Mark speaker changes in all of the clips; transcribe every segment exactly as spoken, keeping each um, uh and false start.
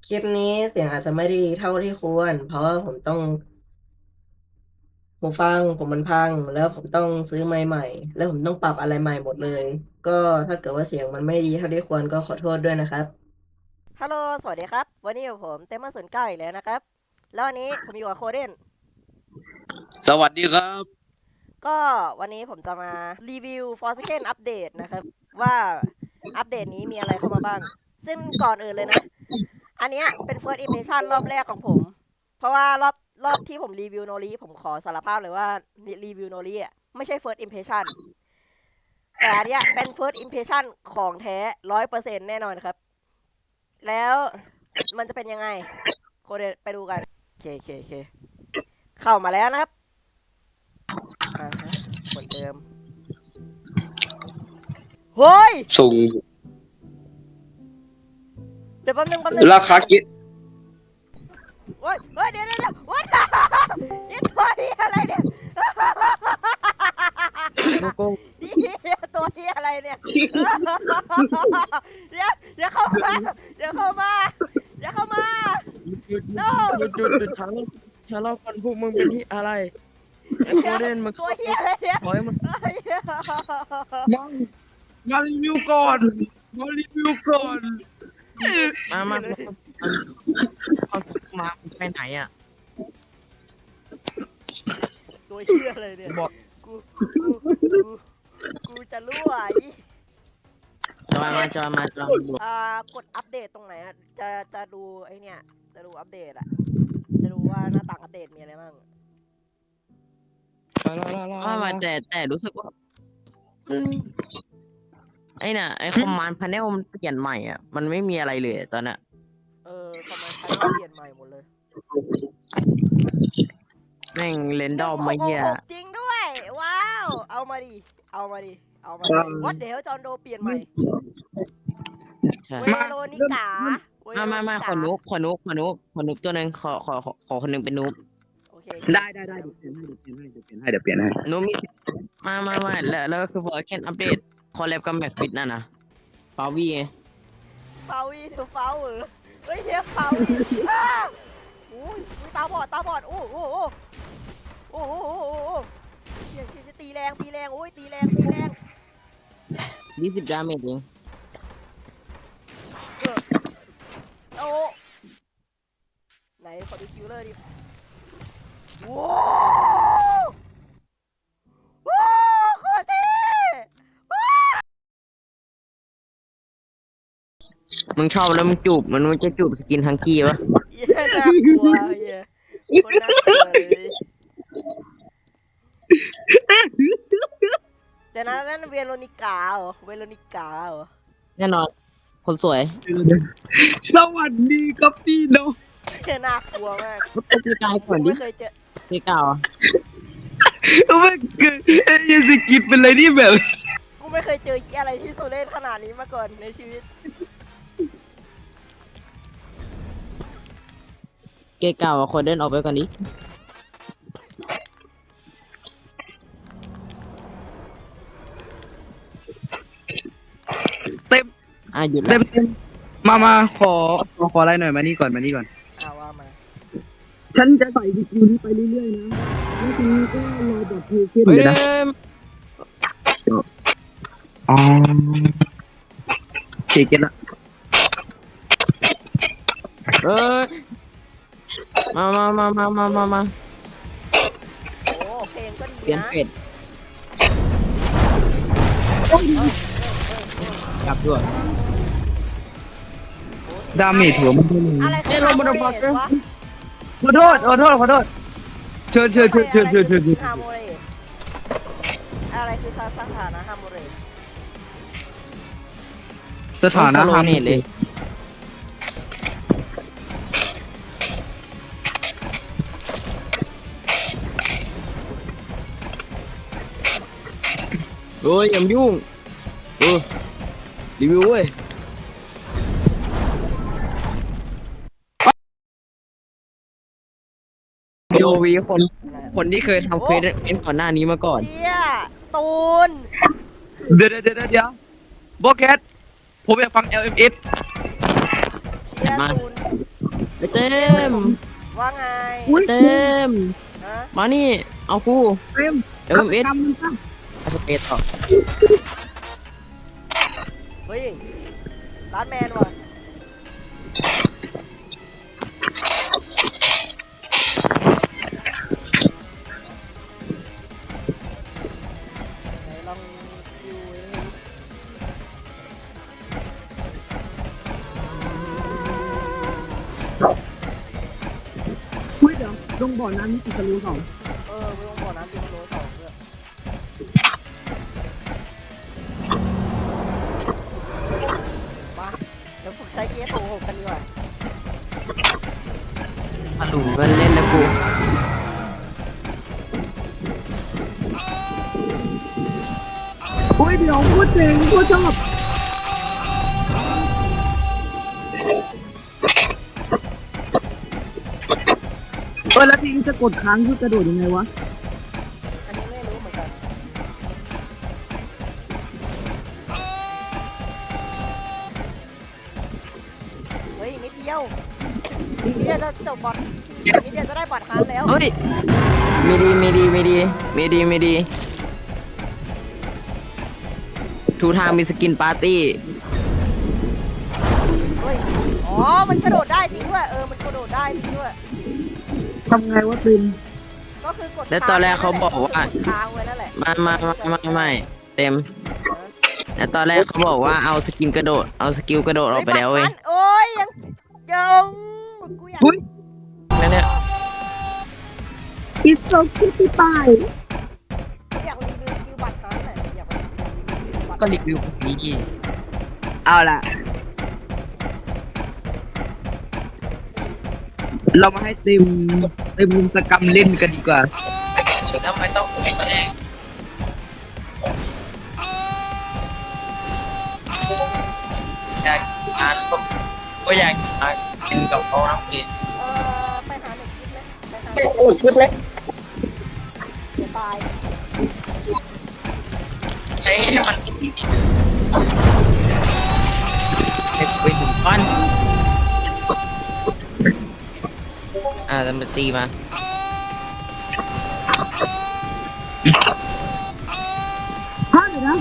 Speaker 1: คลิปนี้เสียงอาจจะไม่ดีเท่าที่ควรเพราะว่าผมต้องหูฟังผมมันพังแล้วผมต้องซื้อไมค์ใหม่แล้วผมต้องปรับอะไรใหม่หมดเลยก็ถ้าเกิดว่าเสียงมันไม่ดีเท่าที่ควรก็ขอโทษด้วยนะครับฮัลโหลสวัสดีครับวันนี้อยู่ผมเต็มมาศูนย์เก้าอีกแล้วนะครับแล้ววันนี้ผมอยู่กับโคเดน
Speaker 2: สวัสดีครับ
Speaker 1: ก็วันนี้ผมจะมารีวิว Forsaken อัปเดตนะครับว่าอัปเดตนี้มีอะไรเข้ามาบ้างซึ่งก่อนอื่นเลยนะอันเนี้ยเป็น first impression รอบแรกของผมเพราะว่ารอบรอบที่ผมรีวิวโนริผมขอสารภาพเลยว่ารีวิวโนริอ่ะไม่ใช่ first impression แต่อันเนี้ยเป็น first impression ของแท้ร้อยเปอร์เซ็นต์แน่นอนครับแล้วมันจะเป็นยังไงโคเดไปดูกันโอเคโอเคโอเคเข้ามาแล้วนะครับอ่าฮะเหมือนเดิมเฮ้ย
Speaker 2: ส่ง
Speaker 1: เดี๋ยวแป๊บนึงแป๊บนึง
Speaker 2: ราคากิ
Speaker 1: โอ้ยเฮ้ยเดี๋ยวเดี๋ยวเดี๋ยววัดนี่ตัวนี้อะไรเนี่ย
Speaker 3: โลโก้
Speaker 1: นี่ตัวนี้อะไรเนี่ยเดี๋ยวเดี๋ยวเข้ามาเดี๋ยวเข้ามาเดี๋ยวเข้ามา
Speaker 3: หยุด
Speaker 1: no
Speaker 3: หยุดหยุดหยุดช้าเล่าช้าเล่าก่อนพวกมึงเป็นที่อะไรไอ้โคเดนมึง
Speaker 1: ตัวเฮียอะไรเนี่ย
Speaker 3: ขอให้มัน
Speaker 1: เฮ้ย
Speaker 2: มามารีวิวก่อนมารีวิวก่อน
Speaker 3: มามาเขาสักมาไปไหนอ่ะ
Speaker 1: ตัวเฮียอะไรเนี่ย
Speaker 3: บอก
Speaker 1: กูกูกูกูจะรั่วไอ้
Speaker 3: จอยมาจอยมาจอยมา
Speaker 1: อ่ากดอัปเดตตรงไหนอะจะจะดูไอเนี่ยจะดูอัปเดตอะจะดูว่าหน้าต่างอัปเดตมีอะไรบ้าง
Speaker 3: ว่ามาแต่แต่รู้สึกว่าอืมไอ้น่ะไอ้คอมมานด์พาเนลมันเปลี่ยนใหม่อ่ะมันไม่มีอะไรเลยตอนน่ะ
Speaker 1: เออคอมมานด์พาเนลเปลี่ยนใหม่หมดเลย
Speaker 3: แม่งเรน
Speaker 1: ห
Speaker 3: ดอ
Speaker 1: นึ่ง
Speaker 3: ม
Speaker 1: ห
Speaker 3: มาก
Speaker 1: ห
Speaker 3: เหี้ย
Speaker 1: กหกจริงด้วย ว้าว เอามาดิ เอามาดิ เอามาดิวัดเดี๋ยวจอนโดเปลี่ยนใหม่
Speaker 3: ใช่
Speaker 1: เวโรนิกาเว
Speaker 3: มา
Speaker 1: โร
Speaker 3: มา
Speaker 1: นิ
Speaker 3: มาข
Speaker 1: กา
Speaker 3: อนุบขอนุบขอนุบขอนุบตัวหนึงขอขอขอขอคนหนึงเป็นนุบ
Speaker 1: โอเค
Speaker 2: ได้ได้ได้เดี๋ยวเปลี่ยนให้เดี๋ยวเปลี่ยนให้เดี๋ยวเปลี่ยนให้เดี๋ยวเปลี่ยนให้
Speaker 3: นุบมีมามามาแล้วแล้วก็คือพอแค่อัปเดตคอลแลบกับแม็กฟิตนั่นนะฟาวีไง
Speaker 1: เฟาวีเธอเฟาเหรอเฮ้ยเฮียเฟาวีอ้าโอ้ยตาบอดตาบอดโอ้โหโอ้โหโอ้โหโอ้โหเฮียเฮียตีแรงตีแรงโอ้ยตีแรงตีแรง
Speaker 3: ยี่สิบดาเมจเอง
Speaker 1: โอ้ไหนขอดูคิวเลอร์ดิว้าวว้าวโคตรเท่ว้าว
Speaker 3: มึงชอบแล้วมึงจูบมันมันจะจูบสกินฮังกี้ปะ
Speaker 1: เหี้ยน่ากลัวเหี้ยคนน่ากลัวเลยเดี๋ยวนะนั่นเวโรนิกาเหรอเวโรนิกาเหรอ
Speaker 3: แน่นอนคนสวย
Speaker 2: สวัสดีครับพี่น้อง
Speaker 1: เหี้ยน่ากลัวมาก
Speaker 3: ก็เป็นตีกายก่อนดิ
Speaker 1: ไม่เคยเจอ
Speaker 3: ตีกาวอะ
Speaker 2: ไม่เกิดไอ้ยังสกิปเป็นอะไรที่แบบ
Speaker 1: กูไม่เคยเจอเหี้ยอะไรที่สุดเล่นขนาดนี้มาก่อนในชีวิต
Speaker 3: เกย์เก่าอะคนเดินออกไปก่อนดิ
Speaker 2: เต็ม
Speaker 3: อ่ะหยุด
Speaker 2: เต็
Speaker 3: แล้ว
Speaker 2: มเต็มมามาขอขอขออะไรหน่อยมานี่ก่อนมานี่ก่อน
Speaker 1: เอาว่ามา
Speaker 2: ฉันจะใส่สกิลนี้ไปเรื่อยๆนะแล้วทีนี้ก็รอแบบเพลย์ขึ้น
Speaker 3: เฮ้ย
Speaker 2: เลยนะ อ๋อโอเคเก็ตละ
Speaker 3: เอ้ยมามามามามามามา
Speaker 1: โอ้เพลงก็
Speaker 3: เป
Speaker 1: ดี
Speaker 3: ลี่ยน
Speaker 1: นะ
Speaker 3: เป็ดกลับด้วย
Speaker 2: ดาเมจหัวมันเท่าไหร่
Speaker 1: อะไรคือฮาร์โมเรสวะ
Speaker 2: ขอโทษขอโทษขอโทษเชิญเชิญเชิญเชิญเชิญเชิญเชิญ
Speaker 1: ฮาร์โมเรสอะไรคือสถานะฮาร์โมเรส
Speaker 2: สถานะ
Speaker 3: โล
Speaker 2: ฮาร์
Speaker 3: เนตเลย เอ้ยอย่ามายุ่งเออรีวิวเว้ยโยวีคนคนที่เคยทำเควสเอ็นก่อนหน้านี้มาก่อน
Speaker 1: เชี่ยตูน
Speaker 2: เดี๋ยวเดี๋ยวเดี๋ยวเดี๋ยวโบแคทผมอยากฟัง แอล เอ็ม เอส
Speaker 1: เชี่ยตูน
Speaker 3: เต็ม
Speaker 1: ว่าไง
Speaker 2: อุ้ย
Speaker 3: เต็ม
Speaker 1: ฮะ
Speaker 3: มานี่เอากู
Speaker 2: เต็ม
Speaker 3: เอ็มเอส
Speaker 2: ทำมันซะ
Speaker 3: อาสเปซต่อ
Speaker 1: เฮ้ยร้านแมนว่ะไหนลองดูดิ
Speaker 2: อุ้ยเดี๋ยวลงบ่อน้ำนี่ติดทะลุสอง
Speaker 1: เออไม่ต้องบอกน้ำดิโลสองด้วยมาเดี๋ยวฝึกใช้เกียร์โถหกกันดีกว่า
Speaker 3: มาดูกันเล่นนะกู
Speaker 2: อุ้ยเดี๋ยวพูดเจ๋งพูดชอบเออแล้วทีนี้จะกดค้างคือกระโดดยังไงวะ
Speaker 1: อันนี้ไม่รู้เหมือนกันเฮ้ยนิดเดียวอีกนิดเดียวจะจบบอลอีกนิดเดียวจะได้บอลฮาร์ดแล้ว
Speaker 3: เฮ้ยมีดีมีดีมีดีมีดีมีดีทูทางมีสกินปาร์ตี้
Speaker 1: เฮ้ยอ๋อมันกระโดดได้จริงด้วยเออมันกระโดดได้จริงด้วย
Speaker 2: ทำไงวะติม
Speaker 1: ก็คือกด
Speaker 3: แล้วตอนแรกเขาบอกว่า
Speaker 1: กดค้างไว้นั่นแหละ
Speaker 3: มามามามาไม่เต็มแต่ตอนแรกเขาบอกว่าเอาสกินกระโดดเอาสกิลกระโดดออกไปแล้วเว้ย
Speaker 1: ฮ้บัตรพันโอ้ยยังยังกูอยาก
Speaker 2: อุ้ย
Speaker 3: นั่นเนี่ย
Speaker 2: อิสโซคิติปาย
Speaker 1: กูอยากรีวิวสกิลบัตรพันน่ะอยากอยากรีวิวสกิลบัตร
Speaker 3: ก็รีวิวสี
Speaker 2: เอาล่ะ เรามาให้เต็มเต็มสกรรมเล่นกันดีกว่า
Speaker 3: ทำไมต้องไปตอนแรกอยากอ่านก็ก็อยากอ่านกินกับเขาน้ำกิน
Speaker 1: เออไปหาหนึ่งคลิปไหมไปหาหนึ่งคลิปไหมเดี๋ยวตาย
Speaker 3: ใช้ให้มันเด็กไปถึงบ้านอ่าจะมาตีมา
Speaker 2: พลาดเลยนะ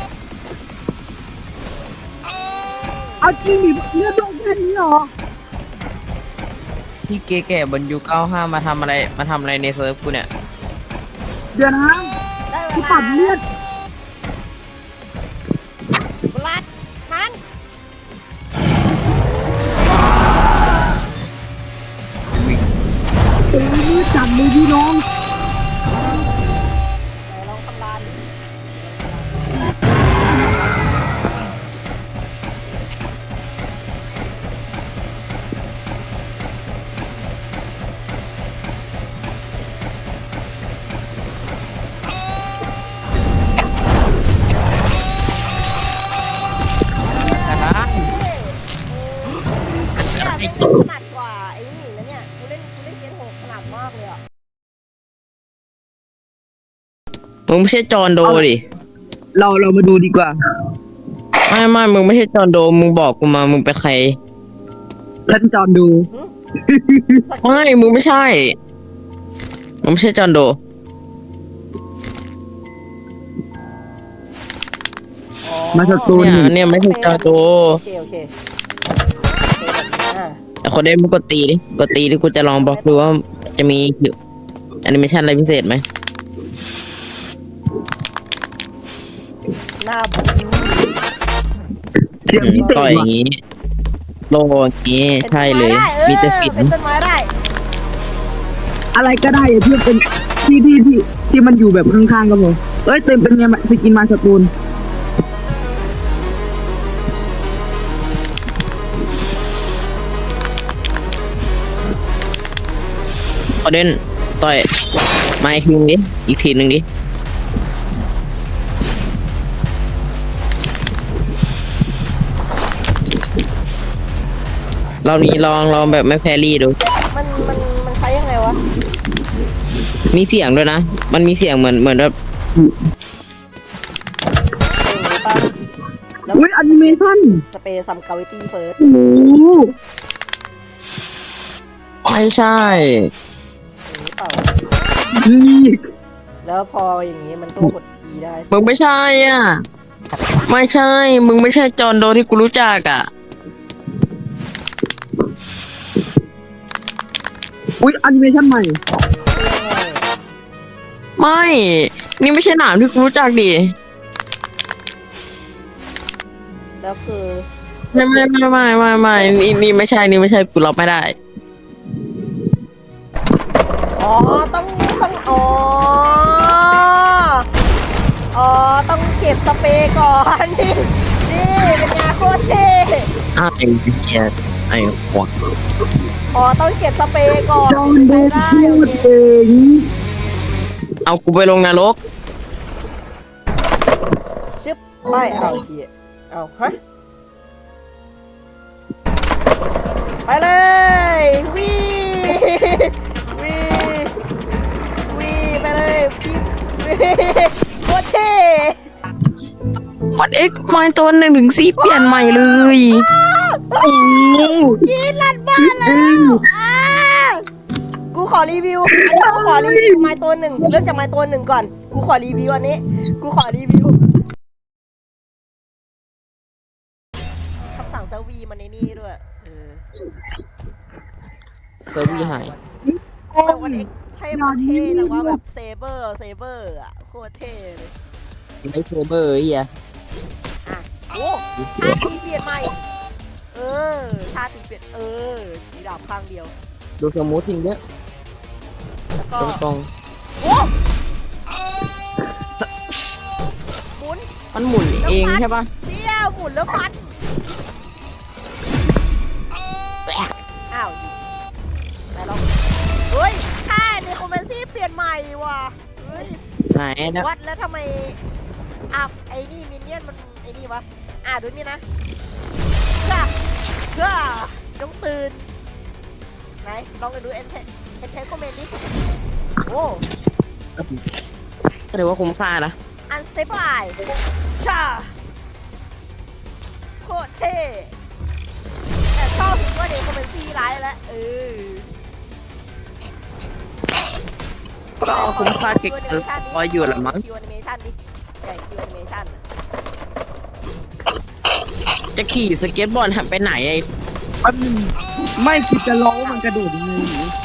Speaker 2: เอาจริงดิเลือดลงแค่นี้เหรอ
Speaker 3: ที่เก๋แก่บนยูเก้าห้ามาทำอะไรมาทำอะไรในเซิร์ฟกูเนี่ย
Speaker 2: เดี๋ยวนะ
Speaker 1: ได้เว
Speaker 2: กู
Speaker 1: ลา
Speaker 2: ปัดเลือด
Speaker 1: บลัดพัน
Speaker 2: เต็มมือจัดเลยพี่น้อง
Speaker 1: ไหนลองคำรามดิเนี่ยเป็นขนาดกว่าไอ้นี่นะเนี่ยกูเล่นกูเล่นเกมโหดขนาดมากเลยอ่ะ
Speaker 3: มึงไม่ใช่จอห์นโดดิ
Speaker 2: เราเรามาดูดีกว่า
Speaker 3: ไม่ไม่มึงไม่ใช่จอห์นโดมึงบอกกูมามึงเป็นใคร
Speaker 2: ท่านจอนดู
Speaker 3: ไม่มึงไม่ใช่มึงไม่ใช่จอห์นโด
Speaker 2: มาสตูน
Speaker 3: เนี่ย
Speaker 2: นี่
Speaker 3: เนี่ยไม่ใช่จอห์นโด
Speaker 1: โอเคโอเคอ่า
Speaker 3: แต่คนได้มึงกดตีดิกดตีดิกูจะลองบอกดูว่าจะมีแอนิเมชันอะไรพิเศษไหม
Speaker 1: หน้าบู
Speaker 2: เสียงพิเศษ
Speaker 3: ต่อยอย่า
Speaker 2: ว่ะ
Speaker 3: งงี้โลอย่างงี้
Speaker 1: เป็น
Speaker 3: ใช่เลย
Speaker 1: ต้นไได้
Speaker 3: มีแต่สิน
Speaker 1: เป็นต้นไม้ได้
Speaker 2: อะไรก็ได้อะที่เป็นที่ที่ที่ที่มันอยู่แบบข้างๆก็พอเอ้ยเต็มเป็นไงสกินมาสตูน
Speaker 3: เอาเด่นต่อยมาอีกทีนึงดิอีกทีหนึ่งดิรอบนี้ลองลองแบบไม่แพรรี่ดู
Speaker 1: มันมันมันใช้ยังไงวะ
Speaker 3: มีเสียงด้วยนะ มันมีเสียงเหมือนเหมือนแบบ
Speaker 1: เออป่ะแล้ว
Speaker 2: อุ้ยแอนิเมชั่น
Speaker 1: สเปรย์ซัมกาวิตี้เฟิร์ส
Speaker 2: โอ้โห
Speaker 3: ไม่ใช่
Speaker 1: อย่างนี้เปล่า
Speaker 2: นี่
Speaker 1: แล้วพออย่างนี้มันก็กด E ได้
Speaker 3: มึงไม่ใช่อ่ะ ไม่ใช่ มึงไม่ใช่จอห์นโดที่กูรู้จักอ่ะ
Speaker 2: อุ้ยแอนิเมชันใหม่
Speaker 3: ไม่ นี่ไม่ใช่หนามที่กูรู้จักดิ
Speaker 1: แล้วคือ
Speaker 3: ไม่ไม่ไม่ไม่ไม่ไม่นี่นี่ไม่ใช่นี่ไม่ใช่กูรับไม่ได้
Speaker 1: อ๋อต้องต้องอ๋ออ๋อต้องเก็บสเปรย์ก่อนนี่นี่เป็นไงโคตรเท่
Speaker 3: อ้าวไอ้เหี้ยไอ้ขวด
Speaker 1: อ๋อต้องเก็บสเปรย์ก่อน
Speaker 2: จอห์นโด
Speaker 1: ได้
Speaker 2: พู
Speaker 1: โอ
Speaker 2: ด
Speaker 1: เค
Speaker 2: เอง
Speaker 3: เอากูไปลงนรก
Speaker 1: ชึบไม่เอาทีเอาฮะไปเลยวีวีวีไปเลยพี่วีโคตรเท่
Speaker 3: มันเอ็กมาตัวหนึ่งถึงสี่เปลี่ยนใหม่เลยโอ้โห
Speaker 1: ยีนลัดบ้านแล้วอ่ากูขอรีวิวกูขอรีวิวไม้ตัวหนึ่งเริ่มจากไม้ตัวหนึ่งก่อนกูขอรีวิวอันนี้กูขอรีวิวคำสั่งเซอร์วีมันในนี่ด้วยเออ
Speaker 3: เซอร์วีหาย
Speaker 1: ทำไมวันเอ็กเท่มันเท่แต่ว่าแบบเซเบอร์เซเบอร์อะโคตรเท่เลย
Speaker 3: ไลท์เซเบอร์ไอ้เหี้ย
Speaker 1: อ่ะโอ้ชาตีเปลี่ยนใหม่เออชาตีเปลี่ยนเออสีดาบข้างเดียว
Speaker 3: ดูสมูททิ้งเยอะ
Speaker 1: แล้วก็
Speaker 3: ตรง
Speaker 1: โอ้หมุน
Speaker 3: ๆมันหมุนเองใช่ปะ
Speaker 1: เดี่ยวหมุนแล้วฟันอ้าวไหนลองเฮ้ยค่าในคอมเมนซี่เปลี่ยนใหม่ว่ะเฮ้ย
Speaker 3: ไหนนะ
Speaker 1: วัดแล้วทำไมอ่ะไอ้นี่มินเนี่ยนมันไอ้นี่วะอ่ะดูนี่นะจ้าจ้าต้องตื่นไหนลองไปดูเอ็นเทเอ็นเทคอมเมนต์ดิโอ้
Speaker 3: ก็ถือว่าคุ้มค่านะ
Speaker 1: อันสเตปไอชาโคตรเท่แต่ชอบถึงว่าเด็กคอมเมนซี่ร้ายแล้วเออ
Speaker 3: ก็เอาคุ้มค่าเก็บเงินพออยู่ละมั้ง
Speaker 1: คิวแอนิเมชันดิใหญ่คิวแอนิเมชัน
Speaker 3: จะขี่สเก็ตบอร์ดหันไปไหนไอ้
Speaker 2: แป๊บนึงไม่คิดจะร้องมันกระโดดยังไงหนู